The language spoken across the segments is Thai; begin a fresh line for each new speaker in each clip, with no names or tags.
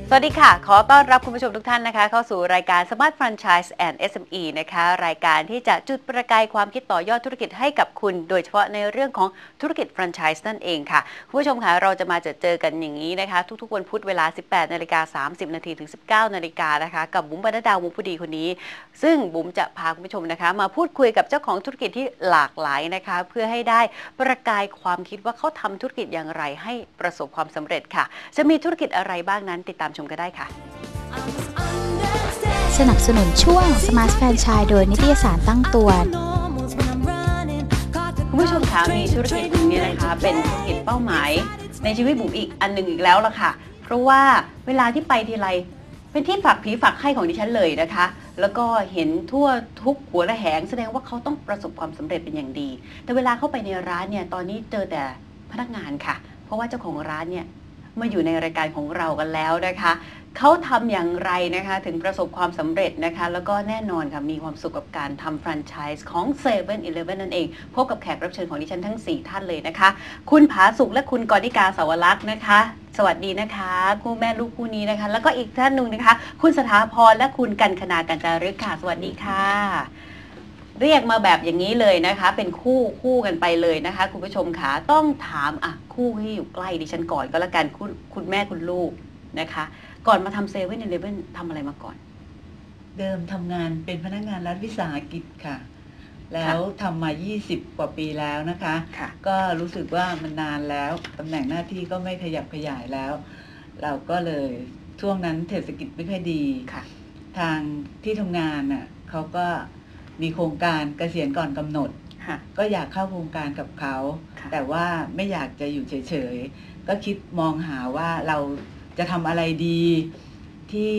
สวัสดีค่ะขอต้อนรับคุณผู้ชมทุกท่านนะคะเข้าสู่รายการ Smart Franchise and SME นะคะรายการที่จะจุดประกายความคิดต่อยอดธุรกิจให้กับคุณโดยเฉพาะในเรื่องของธุรกิจแฟรนไชส์นั่นเองค่ะคุณผู้ชมค่ะเราจะมาเจอกันอย่างนี้นะคะทุกๆวันพุธเวลา 18:30 นถึง 19 นาฬิกานะคะกับบุ๋มบรรณดาวงผู้ดีคนนี้ซึ่งบุ๋มจะพาคุณผู้ชมนะคะมาพูดคุยกับเจ้าของธุรกิจที่หลากหลายนะคะเพื่อให้ได้ประกายความคิดว่าเขาทำธุรกิจอย่างไรให้ประสบความสำเร็จค่ะจะมีธุรกิจอะไรบ้างนั้นติดตามชมกันได้ค่ะ
สนับสนุนช่วง Smart Franchise โดยนิตยสารตั้งตัว
คุณผู้ชมคะมีธุรกิจนี้นะคะเป็นธุรกิจเป้าหมายในชีวิตบุ๋มอีกอันหนึ่งอีกแล้วล่ะค่ะเพราะว่าเวลาที่ไปทีไรเป็นที่ฝากผีฝากไข้ของดิฉันเลยนะคะแล้วก็เห็นทั่วทุกหัวระแหงแสดงว่าเขาต้องประสบความสำเร็จเป็นอย่างดีแต่เวลาเข้าไปในร้านเนี่ยตอนนี้เจอแต่พนักงานค่ะเพราะว่าเจ้าของร้านเนี่ยมาอยู่ในรายการของเรากันแล้วนะคะเขาทำอย่างไรนะคะถึงประสบความสำเร็จนะคะแล้วก็แน่นอนค่ะมีความสุขกับการทำแฟรนไชส์ของ 7-Eleven นั่นเองพบกับแขกรับเชิญของดิฉันทั้ง4ท่านเลยนะคะคุณผาสุขและคุณกรณิกาสาวรักษ์นะคะสวัสดีนะคะคู่แม่ลูกคู่นี้นะคะแล้วก็อีกท่านหนึ่งนะคะคุณสถาพรและคุณกันคณากัญจารึกค่ะสวัสดีค่ะเรียกมาแบบอย่างนี้เลยนะคะเป็นคู่กันไปเลยนะคะคุณผู้ชมค่ะต้องถามคู่ที่อยู่ใกล้ดิฉันก่อนก็แล้วกันคุณแม่คุณลูกนะคะก่อนมาทำ7-Elevenทำอะไรมาก่อน
เดิมทำงานเป็นพนักงานรัฐวิสาหกิจค่ะแล้วทำมา20 กว่าปีแล้วนะคะก็รู้สึกว่ามันนานแล้วตำแหน่งหน้าที่ก็ไม่ขยับขยายแล้วเราก็เลยช่วงนั้นเศรษฐกิจไม่ค่อยดีทางที่ทำงานน่ะเขาก็มีโครงการเกษียณก่อนกำหนดก็อยากเข้าโครงการกับเขาแต่ว่าไม่อยากจะอยู่เฉยๆก็คิดมองหาว่าเราจะทำอะไรดีที่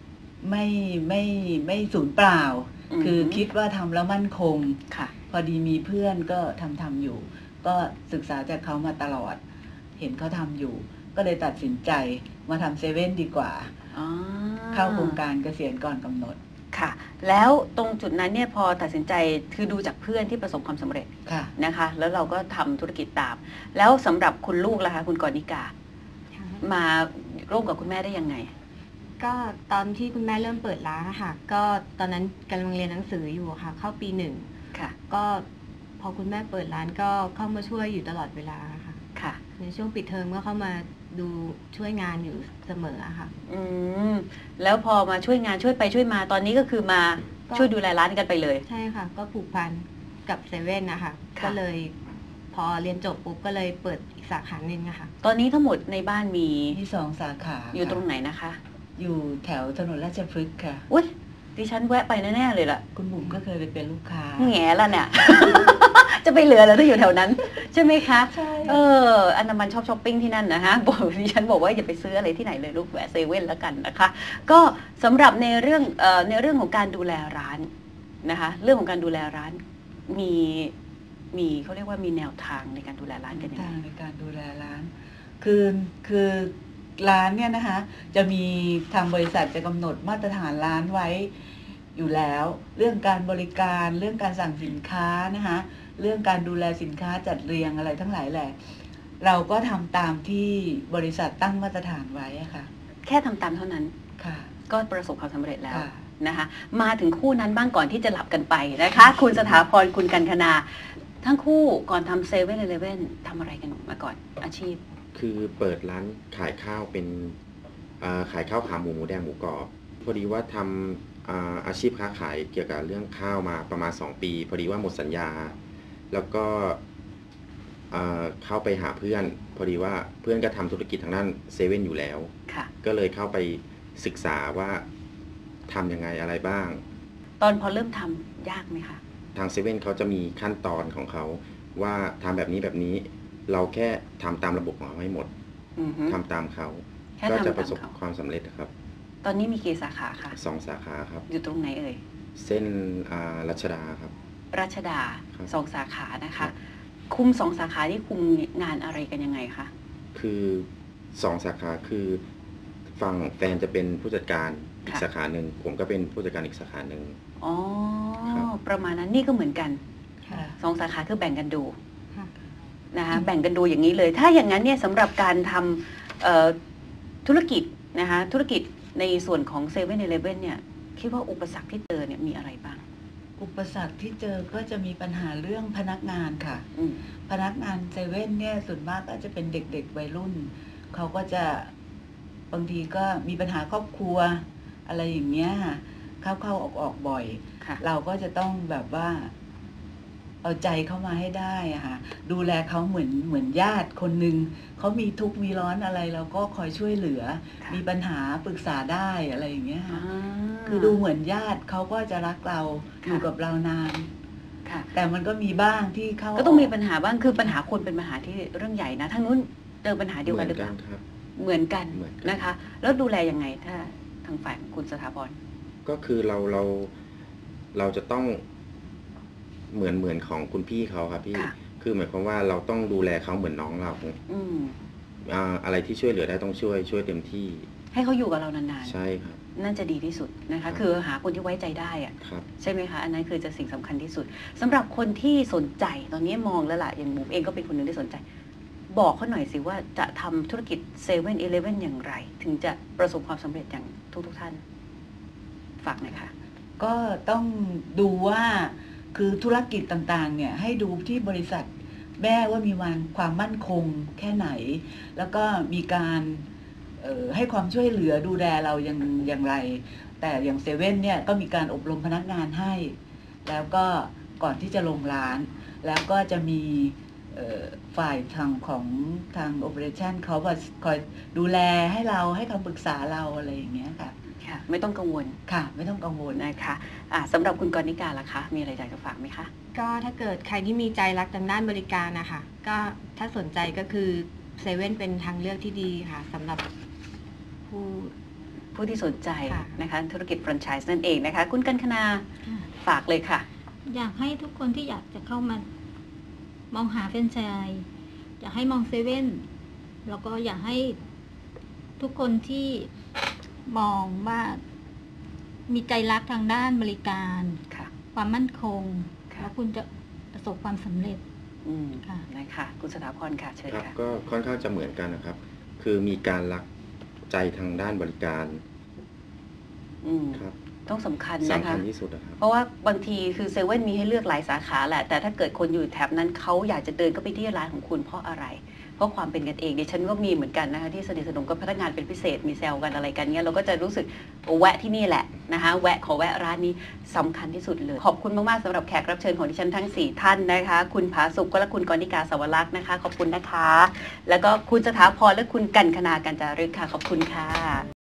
ไม่สูญเปล่าคือคิดว่าทำแล้วมั่นคงพอดีมีเพื่อนก็ทำอยู่ก็ศึกษาจากเขามาตลอดเห็นเขาทำอยู่ก็เลยตัดสินใจมาทำ7ดีกว่าเข้าโครงการเกษียณก่อนกำหนด
ค่ะแล้วตรงจุดนั้นเนี่ยพอตัดสินใจคือดูจากเพื่อนที่ประสบความสำเร็จนะคะแล้วเราก็ทำธุรกิจตามแล้วสำหรับคุณลูกล่ะคะคุณกรณิกามาร่วมกับคุณแม่ได้ยังไง
ก็ตอนที่คุณแม่เริ่มเปิดร้านค่ะก็ตอนนั้นกำลังเรียนหนังสืออยู่ค่ะเข้าปี1ค่ะก็พอคุณแม่เปิดร้านก็เข้ามาช่วยอยู่ตลอดเวลาค่ะในช่วงปิดเทอมก็เข้ามาดูช่วยงานอยู่เสมอค่ะ
แล้วพอมาช่วยงานช่วยไปช่วยมาตอนนี้ก็คือมาช่วยดูแลร้านกันไปเลย
ใช่ค่ะก็ผูกพันกับ7นะคะก็เลยพอเรียนจบปุ๊บก็เลยเปิดอีกสาขาหนึ่งค่ะ
ตอนนี้ทั้งหมดในบ้านมี
2 สาขา
อยู่ตรงไหนนะคะ
อยู่แถวถนนราชพฤกษ์ค่ะ
อุ๊ยดิฉันแวะไปแน่ๆเลยล่ะ
คุณบุ๋มก็เคยไปเป็นลูกค้า
แง่ละเนี่ย จะไปเหลือแล้วถ้าอยู่แถวนั้นใช่ไหมคะ
ใช่
อันนั้นมันชอบช้อปปิ้งที่นั่นนะฮะบอกดิฉันบอกว่าอย่าไปซื้ออะไรที่ไหนเลยลูกแวะ7แล้วกันนะคะก็สำหรับในเรื่องของการดูแลร้านนะคะเรื่องของการดูแลร้านมีเขาเรียกว่ามีแนวทางในการดูแลร้านกันยังไง
ในการดูแลร้านคือร้านเนี่ยนะคะจะมีทางบริษัทจะกำหนดมาตรฐานร้านไว้อยู่แล้วเรื่องการบริการเรื่องการสั่งสินค้านะคะเรื่องการดูแลสินค้าจัดเรียงอะไรทั้งหลายแหละเราก็ทำตามที่บริษัทตั้งมาตรฐานไว้ค่ะ
แค่ทำตามเท่านั้น
ค่ะ
ก็ประสบความสำเร็จแล้วนะคะมาถึงคู่นั้นบ้างก่อนที่จะหลับกันไปนะคะคุณสถาพรคุณกันคณาทั้งคู่ก่อนทำ7-Elevenทำอะไรกันมาก่อนอาชีพ
คือเปิดร้านขายข้าวเป็นขายข้าวขาหมูแดงหมูกรอบพอดีว่าทำอาชีพค้าขายเกี่ยวกับเรื่องข้าวมาประมาณ2 ปีพอดีว่าหมดสัญญาแล้วก็เข้าไปหาเพื่อนพอดีว่าเพื่อนก็ทำธุรกิจทางด้าน7อยู่แล้วก็เลยเข้าไปศึกษาว่าทำยังไงอะไรบ้าง
ตอนพอเริ่มทำยากไหมคะ
ทาง7เขาจะมีขั้นตอนของเขาว่าทำแบบนี้เราแค่ทำตามระบบของเขาให้หมดทำตามเขาก็จะประสบความสำเร็จครับ
ตอนนี้มีกี่สาขาคะ
2 สาขาครับ
อยู่ตรงไหนเอ่ย
เส้นรัชดาครับ
รัชดา2 สาขานะคะคุม2 สาขาที่คุมงานอะไรกันยังไงคะ
คือ2 สาขาคือฝั่งแฟนจะเป็นผู้จัดการอีกสาขาหนึ่งผมก็เป็นผู้จัดการอีกสาขาหนึ่ง
อ๋อประมาณนั้นนี่ก็เหมือนกัน2 สาขาคือแบ่งกันดูนะคะแบ่งกันดูอย่างนี้เลยถ้าอย่างนั้นเนี่ยสำหรับการทำธุรกิจนะคะธุรกิจในส่วนของ7-Eleven เนี่ยคิดว่าอุปสรรคที่เจอเนี่ยมีอะไรบ้าง
อุปสรรคที่เจอก็จะมีปัญหาเรื่องพนักงานค่ะพนักงานเซเว่นเนี่ยส่วนมากก็จะเป็นเด็กๆวัยรุ่นเขาก็จะบางทีก็มีปัญหาครอบครัวอะไรอย่างเงี้ยเข้าออกบ่อยเราก็จะต้องแบบว่าเอาใจเข้ามาให้ได้อะค่ะดูแลเขาเหมือนญาติคนหนึ่งเขามีทุกข์มีร้อนอะไรเราก็คอยช่วยเหลือมีปัญหาปรึกษาได้อะไรอย่างเงี้ยค่ะคือดูเหมือนญาติเขาก็จะรักเราอยู่กับเรานานแต่มันก็มีบ้างที่เขา
ก็ต้องมีปัญหาบ้างคือปัญหาคนเป็นปัญหาที่เรื่องใหญ่นะทั้งนู้นเจอปัญหาเดียวกันหรือเปล่าเหมือนกันนะคะแล้วดูแลยังไงถ้าทางฝ่ายคุณสถาพร
ก็คือเราจะต้องเหมือนของคุณพี่เขาครับพี่คือหมายความว่าเราต้องดูแลเขาเหมือนน้องเราอะไรที่ช่วยเหลือได้ต้องช่วยเต็มที่
ให้เขาอยู่กับเรานาน
ๆใช่ครับ
นั่นจะดีที่สุดนะคะคือหาคนที่ไว้ใจได้อะใช่ไหมคะอันนั้นคือจะสิ่งสำคัญที่สุดสำหรับคนที่สนใจตอนนี้มองแล้วล่ะอย่างบุ๋มเองก็เป็นคนหนึ่งที่สนใจบอกเขาหน่อยสิว่าจะทำธุรกิจ7-Eleven อย่างไรถึงจะประสบความสำเร็จอย่างทุกท่านฝากหน่อยค่ะ
ก็ต้องดูว่าคือธุรกิจต่างๆเนี่ยให้ดูที่บริษัทแม่ว่ามีความมั่นคงแค่ไหนแล้วก็มีการให้ความช่วยเหลือดูแลเราอย่างไรแต่อย่างเซเว่นเนี่ยก็มีการอบรมพนักงานให้แล้วก็ก่อนที่จะลงร้านแล้วก็จะมีฝ่ายของทางโอเปอเรชั่นเขาคอยดูแลให้เราให้คำปรึกษาเราอะไรอย่างเงี้ยค่ะ
ไม่ต้องกังวล
ค่ะไม่ต้องกังวล
นะคะสำหรับคุณกรณิกาล่ะคะมีอะไรอยากจะฝากไหมคะ
ก็ถ้าเกิดใครที่มีใจรักทางด้านบริการนะคะก็ถ้าสนใจก็คือเซเว่นเป็นทางเลือกที่ดีค่ะสำหรับ
ผู้ที่สนใจนะคะธุรกิจแฟรนไชส์นั่นเองนะคะคุณกัญคณาฝากเลยค่ะ
อยากให้ทุกคนที่อยากจะเข้ามามองหาแฟรนไชส์อยากให้มองเซเว่นแล้วก็อยากให้ทุกคนที่มองว่ามีใจรักทางด้านบริการความมั่นคงแล้วคุณจะประสบความสำเร็จ
ค่ะนะคะคุณสถาพรค่ะเชิญค่ะ
ก็ค่อนข้างจะเหมือนกันนะครับคือมีการรักใจทางด้านบริการ
ครับต้องสำคัญนะคะ
สำคัญที่สุดนะครับ
เพราะว่าบางทีคือเซเว่นมีให้เลือกหลายสาขาแหละแต่ถ้าเกิดคนอยู่แถบนั้นเขาอยากจะเดินเข้าไปที่ร้านของคุณเพราะอะไรเพราะความเป็นกันเองดิฉันก็มีเหมือนกันนะคะที่สนิทสนมกับพนักงานเป็นพิเศษมีแซวกันอะไรกันเงี้ยเราก็จะรู้สึกแวะที่นี่แหละนะคะขอแวะร้านนี้สำคัญที่สุดเลยขอบคุณมากๆสำหรับแขกรับเชิญของดิฉันทั้ง4ท่านนะคะคุณผาสุกและคุณกรณิกาสวรักษ์นะคะขอบคุณนะคะแล้วก็คุณสถาพรและคุณกัญคณากัญจารึกค่ะขอบคุณค่ะ